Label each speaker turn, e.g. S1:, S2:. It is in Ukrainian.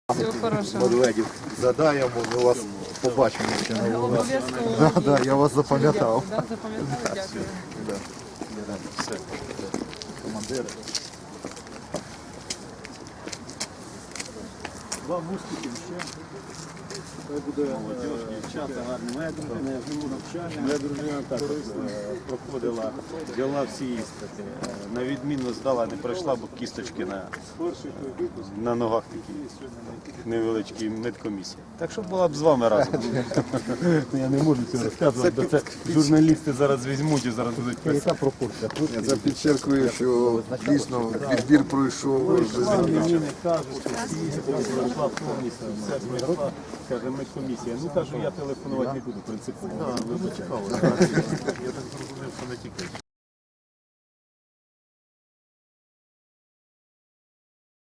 S1: Всього хорошого.
S2: Медведів задаємо, ми вас побачимо ще на вулиці.
S1: Обов'язково.
S2: Я вас запам'ятав.
S1: Запам'ятали, дякую.
S2: Все. Командири.
S3: Вам успіхів ще. Хай буде молодіж, дівчата гарні. Моя дружина, я живу навчання. Моя дружина також проходила, діла всі іспити. На відмінно здала, не пройшла, бо кісточки на ногах такі невеличкі медкомісії. Так що була б з вами разом. Я не можу цього розказувати, бо це журналісти зараз візьмуть і зараз будуть писати. Яка пропорція?
S2: Я підчеркую, що дійсно відбір пройшов.
S3: Мені не кажуть, що всі іспити пройшла повністю, все пройшла. Каже, медкомісія. Ну кажу, я телефонувати не буду принципово.
S2: Дуже цікаво. Я так зрозумів, що не тільки.